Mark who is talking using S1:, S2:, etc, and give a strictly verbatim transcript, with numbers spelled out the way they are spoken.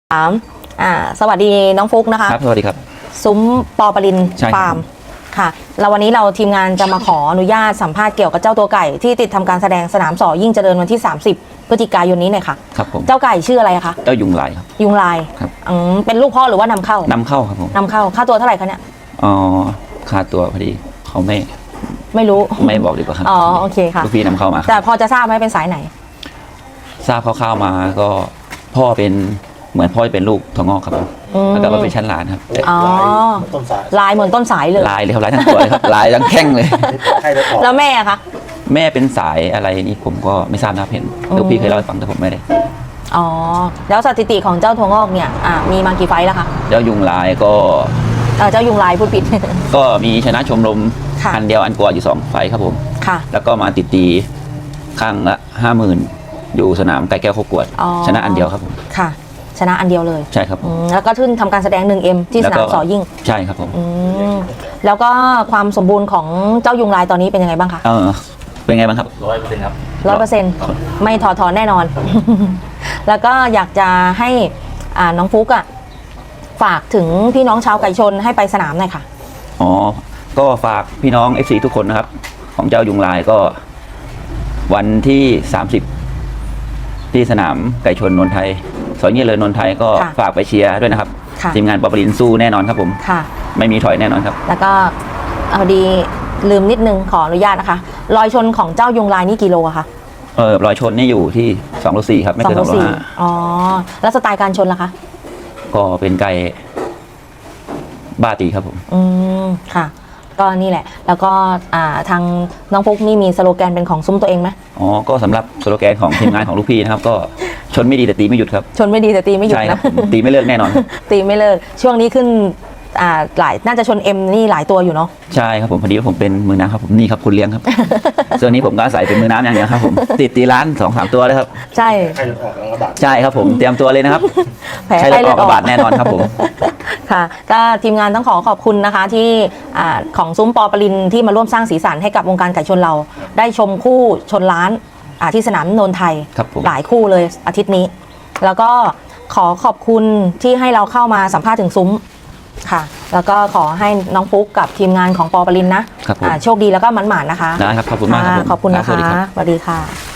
S1: ถามอ่าสวัสดีน้องฟุกนะคะ
S2: ครับสวัสดีครับ
S1: ซุ้มปอปรินฟาร์มค่ะแล้ววันนี้เราทีมงานจะมาขออนุญาตสัมภาษณ์เกี่ยวกับเจ้าตัวไก่ที่ติดทำการแสดงสนามสอยิ่งเจริญวันที่สามสิบพฤศจิกายนนี้หน่อยค่ะ
S2: ครับผม
S1: เจ้าไก่ชื่ออะไรคะ
S2: เจ้ายุงลายครับ
S1: ยุงลาย
S2: ครับ
S1: อืมเป็นลูกพ่อหรือว่านำเข้าน
S2: ำเข้าครับผม
S1: นำเข้าค่าตัวเท่าไหร่คะเนี่ย
S2: อ๋อค่าตัวพอดีเขาไม่
S1: ไม่รู้
S2: ไม่บอกดีกว่าครับ
S1: อ๋อโอเคค่ะ
S2: ลูกพี่นำเข้ามา
S1: แต่พอจะทราบไหมเป็นสายไหน
S2: ทราบคร่าวๆมาก็พ่อเป็นเหมือนพ่อเป็นลูกถั่วงอกครับผมแล้วก็มาเป็นชั้นหลานครับ
S1: อ๋อลายเหมือนต้นสายเลย
S2: ลายเลยครับลายทั้งตัวเลยครับลายทั้งแข้งเลย
S1: แล้วแม่คะ
S2: แม่เป็นสายอะไรนี่ผมก็ไม่ทราบนะเห็นลูกพี่เคยเล่าให้ฟังแต่ผมไม่ได้
S1: อ๋อแล้วสถิติของเจ้าถั่วงอกเนี่ยอ่ามีมากี่ไฟแล้วคะ
S2: เจ้ายุงลายก็
S1: เจ้ายุงลายพูดผิด
S2: ก็มีชนะชมรมอันเดียวอันกว่าอยู่สองไฟครับผม
S1: ค่ะ
S2: แล้วก็มาติดตีข้างละห้าหมื่นอยู่สนามไก่แก้วโคกวดชนะอันเดียวครับผม
S1: ค่ะชนะอันเดียวเลย
S2: ใช่ครับ
S1: แล้วก็ขึ้นทำการแสดง หนึ่งเอ็ม ที่สนามสอยิ่ง
S2: ใช่ครับผม
S1: แล้วก็ความสมบูรณ์ของเจ้ายุงลายตอนนี้เป็นยังไงบ้างคะ
S2: เออเป็นไงบ้างครับร้อยเปอร์เซ็นต์ครับ
S1: ร้อยเปอร์เซ็นต์ไม่ถอดถอนแน่นอน แล้วก็อยากจะให้น้องฟุกอ่ะฝากถึงพี่น้องชาวไก่ชนให้ไปสนามหน่อยค่ะ
S2: อ๋อก็ฝากพี่น้อง เอฟ ซี ทุกคนนะครับของเจ้ายุงลายก็วันที่สามสิบที่สนามไก่ชนนนทไทยสอยเงี้ยเลยนนทไทยก็ฝากไปเชียร์ด้วยนะครับทีมงานปอปรินสู้แน่นอนครับผมไม่มีถอยแน่นอนครับ
S1: แล้วก็เอาดีลืมนิดนึงขออนุญาตนะคะรอยชนของเจ้ายุงลายนี่กิโลอะคะ
S2: เออรอยชนนี่อยู่ที่สองโลสี่ครับไม่เกินสองโลห้า
S1: อ๋อแล้วสไตล์การชนล่ะคะ
S2: ก็เป็นไก่บ้าตีครับผม
S1: อืมค่ะก็นี่แหละแล้วก็อ่าทางน้องฟุกนี่มีสโลแกนเป็นของซุ้มตัวเองไหม
S2: อ๋อก็สำหรับสโลแกนของทีมงานของลูกพี่นะครับก็ชนไม่ดีแต่ตีไม่หยุดครับ
S1: ชนไม่ดีแต่ตีไม่หยุดนะ
S2: ตีไม่เลิกแน่นอน
S1: ตีไม่เลิกช่วงนี้ขึ้นอ่าหลายน่าจะชนเอ็มนี่หลายตัวอยู่เนาะ
S2: ใช่ครับผมพอดีว่าผมเป็นมือน้ำครับผมนี่ครับคุณเลี้ยงครับส่วนนี้ผมก็อาศัยเป็นมือน้ำอย่างเดียวครับผมติดตีร้านสองสามตัวเลยครับ
S1: ใช่
S3: ไข้เลือดออกแล้วระบาด
S2: ใช่ครับผมเตรียมตัวเลยนะครับ
S1: แผลไข้เลือดออก
S2: ระบาดแน่นอนครับผม
S1: ค่ะก็ทีมงานต้องขอขอบคุณนะคะที่ของซุ้มปอปรินที่มาร่วมสร้างสีสันให้กับวงการไก่ชนเราได้ชมคู่ชนล้านที่สนามนนทไทยหลายคู่เลยอาทิตย์นี้แล้วก็ขอขอบคุณที่ให้เราเข้ามาสัมภาษณ์ถึงซุ้มค่ะแล้วก็ขอให้น้องฟุกกับทีมงานของปอปรินนะโชคดีแล้วก็หมั่นๆนะคะ
S2: ได้ครับขอบคุณมากครับ
S1: ขอบคุณนะคะสวัสดีค่ะ